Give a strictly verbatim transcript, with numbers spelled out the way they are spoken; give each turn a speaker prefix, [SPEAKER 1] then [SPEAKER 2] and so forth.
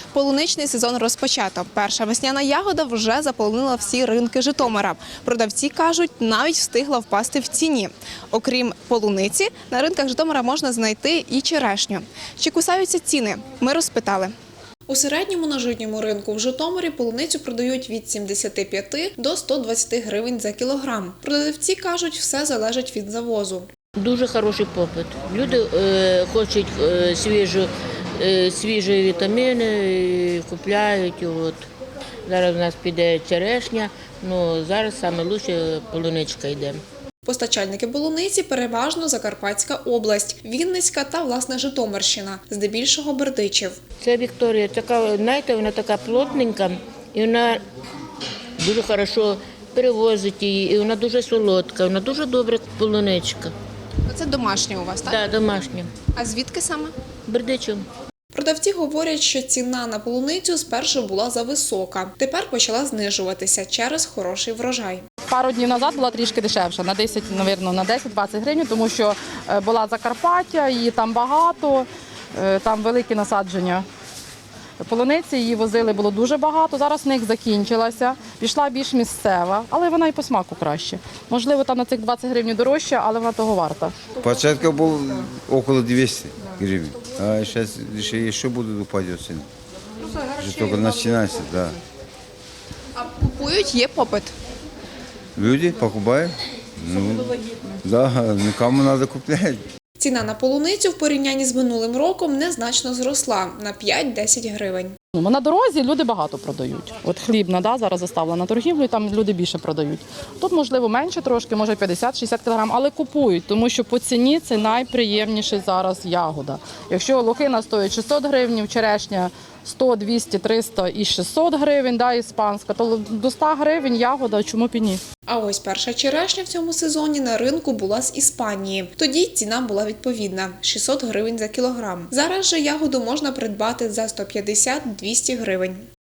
[SPEAKER 1] Полуничний сезон розпочато. Перша весняна ягода вже заполонила всі ринки Житомира. Продавці кажуть, навіть встигла впасти в ціні. Окрім полуниці, на ринках Житомира можна знайти і черешню. Чи кусаються ціни? Ми розпитали. У середньому на житньому ринку в Житомирі полуницю продають від сімдесяти п'яти до ста двадцяти гривень за кілограм. Продавці кажуть, все залежить від завозу.
[SPEAKER 2] Дуже хороший попит. Люди е, хочуть е, свіжу, е, свіжі вітаміни, і купляють. От. Зараз у нас піде черешня, ну зараз саме краще полуничка йде.
[SPEAKER 1] Постачальники полуниці переважно Закарпатська область, Вінницька та, власне, Житомирщина, здебільшого Бердичів.
[SPEAKER 2] Це Вікторія, така, знаєте, вона така плотненька і вона дуже хорошо перевозить її, і вона дуже солодка, вона дуже добра полуничка.
[SPEAKER 1] Це домашня у вас, так?
[SPEAKER 2] Так, да, домашня.
[SPEAKER 1] А звідки саме?
[SPEAKER 2] Бердичів.
[SPEAKER 1] Продавці говорять, що ціна на полуницю спершу була зависока. Тепер почала знижуватися через хороший врожай.
[SPEAKER 3] Пару днів назад була трішки дешевша, на десять, мабуть, на десять-двадцять гривень, тому що була Закарпаття, її там багато, там великі насадження полуниці, її возили, було дуже багато. Зараз в них закінчилася, пішла більш місцева, але вона і по смаку краще. Можливо, там на цих двадцять гривень дорожче, але вона того варта.
[SPEAKER 4] Початку був около двісті гривень, а зараз ще, ще буде упадет ціна. Вже тільки починається, да.
[SPEAKER 1] А купують, є попит?
[SPEAKER 4] Люди покупають, ну, да, кому треба купляти.
[SPEAKER 1] Ціна на полуницю в порівнянні з минулим роком незначно зросла на п'ять-десять гривень.
[SPEAKER 3] Ну, на дорозі люди багато продають. От хлібна, да, зараз заставлена на торгівлю, і там люди більше продають. Тут, можливо, менше трошки, може п'ятдесят-шістдесят кілограм, але купують, тому що по ціні це найприємніша зараз ягода. Якщо лохина стоїть шістсот гривень, черешня сто, двісті, триста і шістсот гривень, да, іспанська, то до ста гривень ягода, чому б і ні.
[SPEAKER 1] А ось перша черешня в цьому сезоні на ринку була з Іспанії. Тоді ціна була відповідна – шістсот гривень за кілограм. Зараз же ягоду можна придбати за сто п'ятдесят - двісті гривень.